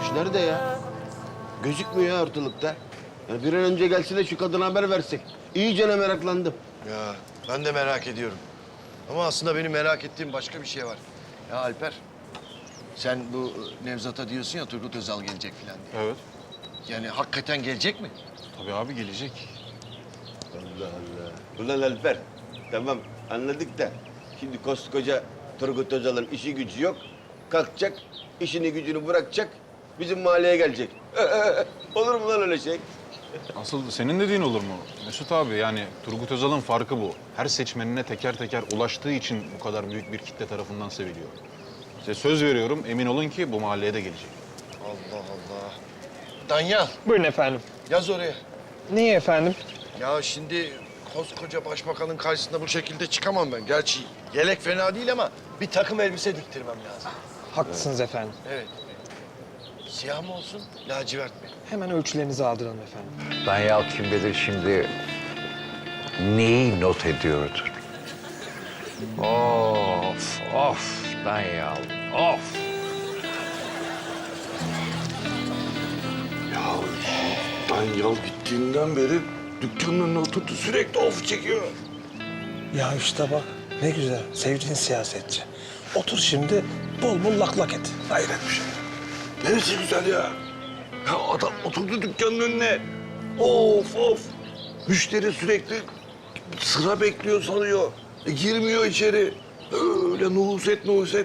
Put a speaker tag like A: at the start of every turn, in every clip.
A: nerede ya? Gözükmüyor ya ortalıkta. Ya bir an önce gelse de şu kadına haber versek. İyicene meraklandım.
B: Ya ben de merak ediyorum. Ama aslında benim merak ettiğim başka bir şey var. Ya Alper, sen bu Nevzat'a diyorsun ya Turgut Özal gelecek falan diye.
C: Evet.
B: Yani hakikaten gelecek mi?
C: Tabii abi gelecek.
A: Allah Allah. Ulan Alper, tamam anladık da şimdi koskoca Turgut Özal'ın işi gücü yok. Kalkacak, işini gücünü bırakacak, bizim mahalleye gelecek. Olur mu lan öyle şey?
C: Asıl senin dediğin olur mu? Mesut abi yani Turgut Özal'ın farkı bu. Her seçmenine teker teker ulaştığı için bu kadar büyük bir kitle tarafından seviliyor. Size söz veriyorum emin olun ki bu mahalleye de gelecek.
B: Allah Allah. Danyal,
D: Buyurun efendim.
B: yaz oraya.
D: Niye efendim?
B: Ya şimdi koskoca başbakanın karşısında bu şekilde çıkamam ben. Gerçi yelek fena değil ama bir takım elbise diktirmem lazım.
D: Haklısınız efendim.
B: Evet. Siyah mı olsun, lacivert mi?
D: Hemen ölçülerinizi aldıralım efendim.
E: Danyal kim bilir şimdi neyi not ediyordu? Of, of Danyal, of.
F: Ya Danyal gittiğinden beri dükkanın önüne oturdu sürekli of çekiyor.
G: Ya işte bak ne güzel sevdiğin siyasetçi. Otur şimdi bol bol lak lak et.
F: Hayret bir şey. Neresi güzel ya? Ya adam oturdu dükkanın önüne. Of of. Müşteri sürekli sıra bekliyor sanıyor. Girmiyor içeri. Öyle nuhuset nuhuset.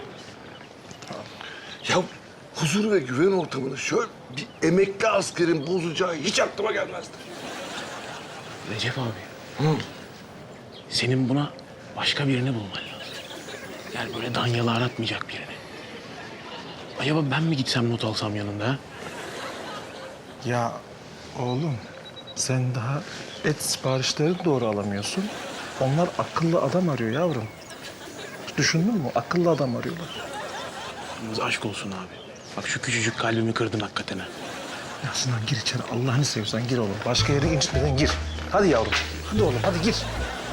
F: Ya huzur ve güven ortamını şöyle bir emekli askerin bozacağı hiç aklıma gelmezdi.
H: Recep abi. Senin buna başka birini bulman lazım. Yani böyle Danyal'ı aratmayacak birini. Acaba ben mi gitsem not alsam yanında ha?
G: Ya oğlum sen daha et siparişlerini doğru alamıyorsun. Onlar akıllı adam arıyor yavrum. Düşündün mü? Akıllı adam arıyorlar.
H: Yalnız aşk olsun abi. Bak şu küçücük kalbimi kırdın hakikaten ha.
G: Ya Sinan gir içeri. Allah'ını seviyorsan gir oğlum. Başka yere incitmeden gir. Hadi yavrum. Hadi oğlum hadi gir.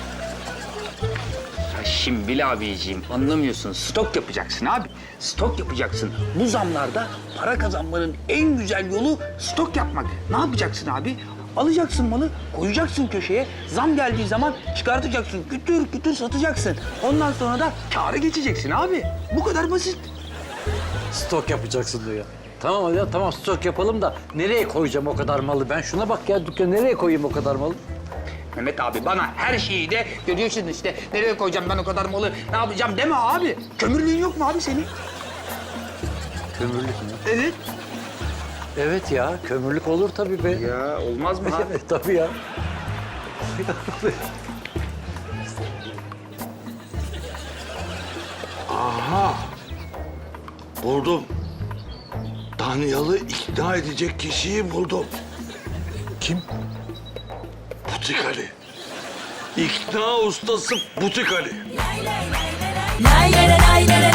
I: Ya Şimbil abiciğim anlamıyorsun. Stok yapacaksın abi. Stok yapacaksın. Bu zamlarda para kazanmanın en güzel yolu stok yapmak. Ne yapacaksın abi? Alacaksın malı, koyacaksın köşeye. Zam geldiği zaman çıkartacaksın. Kütür kütür satacaksın. Ondan sonra da kâra geçeceksin abi. Bu kadar basit.
E: Stok yapacaksın diyor. Tamam ya tamam stok yapalım da nereye koyacağım o kadar malı? Ben şuna bak ya dükkanı nereye koyayım o kadar malı?
I: Mehmet abi bana her şeyi de görüyorsun işte. Nereye koyacağım ben o kadar malı, ne yapacağım deme abi. Kömürlüğün yok mu abi senin?
E: Kömürlük mü?
I: Evet.
E: Evet ya kömürlük olur tabii be.
I: Ya olmaz mı abi?
E: Evet tabii ya.
F: Buldum. Danyal'ı ikna edecek kişiyi buldum.
G: Kim?
F: Butik Ali. İkna ustası Butik Ali.
J: Lay lay lay lay